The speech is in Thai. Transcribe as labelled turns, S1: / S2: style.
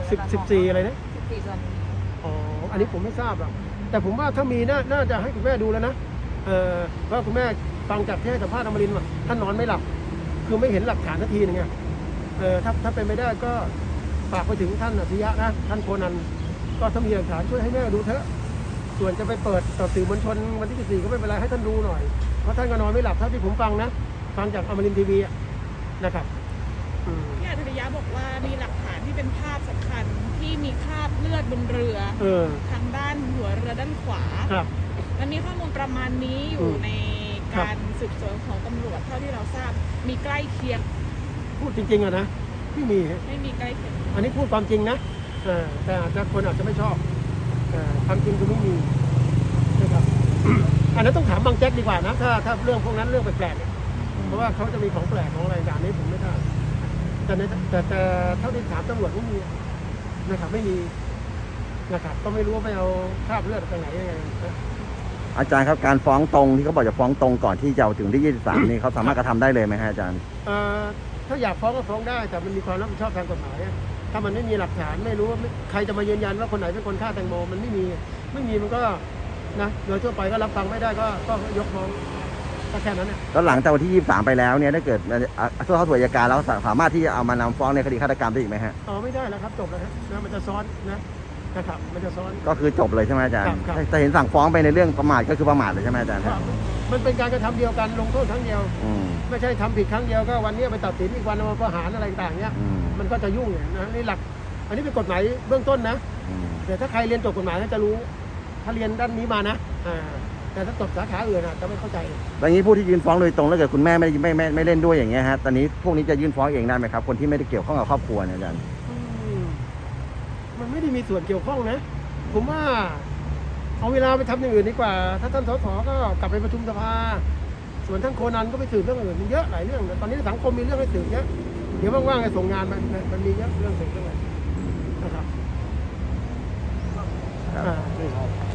S1: 14อะไรนะ
S2: 14ส่วน
S1: อ๋ออันนี้ผมไม่ทราบหรอกแต่ผมว่าถ้ามีน่าจะให้คุณแม่ดูแล้วนะเพราะคุณแม่ฟังจากที่ให้สัมภาษณ์อมรินทร์ว่าท่านนอนไม่หลับคือไม่เห็นหลักฐานสักทีนึงไงถ้าเป็นไม่ได้ก็ฝากไปถึงท่านอัจฉริยะนะท่านโคนันก็ถ้ามีหลักฐานช่วยให้แม่ดูเถอะส่วนจะไปเปิดต่อสื่อมวลชนวันที่14ก็ไม่เป็นไรให้ท่านดูหน่อยเพราะท่านก็นอนไม่หลับเท่าที่ผมฟังนะฟังจากอมรินทร์ทีวีนะครับ
S3: พี่อัจฉริยะบอกว่ามีหลักฐานที่เป็นภาพสำคัญที่มีคราบเลือดบนเรือทางด้านหัวเรือด้านขวามันมีข้อมูลประมาณนี้อยู่ในการสืบสวนของตำรวจเท่าที่เราทราบมีใกล้เคียง
S1: พูดจริงๆอะนะไม่มี
S3: ใกล้เคียง
S1: อันนี้พูดความจริงนะแต่อาจจะคนอาจจะไม่ชอบความจริงคือไม่มีนะครับ อันนั้นต้องถามบางแจ็คดีกว่านะถ้าเรื่องพวกนั้นเรื่องแปลกๆเนี่ยเพราะว่าเขาจะมีของแปลกของอะไรอย่างนี้ผมไม่ทราบแต่เท่าที่ถามตำรวจไม่มีนะครับไม่มีนะครับก็ไม่รู้ว่าไปเอาคราบเลือดไปไหนยังไง
S4: อาจารย์ครับการฟ้องตรงที่เขาบอกจะฟ้องตรงก่อนที่จะถึงที่23นี่เขาสามารถกระทำได้เลยไหมฮะอาจารย์
S1: ถ้าอยากฟ้องก็ฟ้องได้แต่มันมีความรับผิดชอบทางกฎหมายถ้ามันไม่มีหลักฐานไม่รู้ว่าใครจะมายืนยันว่าคนไหนเป็นคนฆ่าแตงโมมันไม่มีมันก็นะโดยทั่วไปก็รับฟังไม่ได้ก็ยกฟ้องก็แค่นั้นเนี่ย
S4: แล้วหลังจากวันที่23ไปแล้วเนี่ยถ้าเกิดเข้าสู่อัยการแล้วสามารถที่จะเอามานำฟ้องในคดีฆาตกรรมได้อีกไหมฮะ
S1: ไม่ได้แล้วครับจบแล้วนะมันจะซ้อนนะครับมันจะซ้อน
S4: ก็คือจบเลยใช่ไหมอาจารย์จะเห็นสั่งฟ้องไปในเรื่องประมาทก็คือประมาทเลยใช่ไหมอาจารย์
S1: มันเป็นการกระทำเดียวกันลงโทษครั้งเดียวไม่ใช่ทำผิดครั้งเดียวก็วันนี้ไปตัดสินอีกวันมาประหารอะไรต่างๆเนี้ยมันก็จะยุ่งนะนี่หลักอันนี้เป็นกฎหมายเบื้องต้นนะแต่ถ้าใครเรียนจบกฎหมายจะรู้ถ้าเรียนด้านนี้มานะแต่ถ้าจบสาขาอื่นจะไม่เข้าใจ
S4: อย่างนี้ผู้ที่ยื่นฟ้องโดยตรงแล้วเกิดคุณแม่ไม่เล่นด้วยอย่างเงี้ยฮะตอนนี้พวกนี้จะยื่นฟ้องเองได้ไหมครับคนที่ไม่ได้เกี่ยวข้องกับครอบครัวเนี่ยอาจารย์
S1: มันไม่ได้มีส่วนเกี่ยวข้องนะผมว่าเอาเวลาไปทำอย่างอื่นดีกว่าถ้าท่านสสก็กลับไปประชุมสภาส่วนท่านโคนันก็ไปสืบเรื่องอื่นมันเยอะหลายเรื่องตอนนี้สังคมมีเรื่องให้สืบเยอะเดี๋ยวว่างๆให้ส่งงานมันมีเยอะเรื่องสืบเรื่องอะไรนะครับ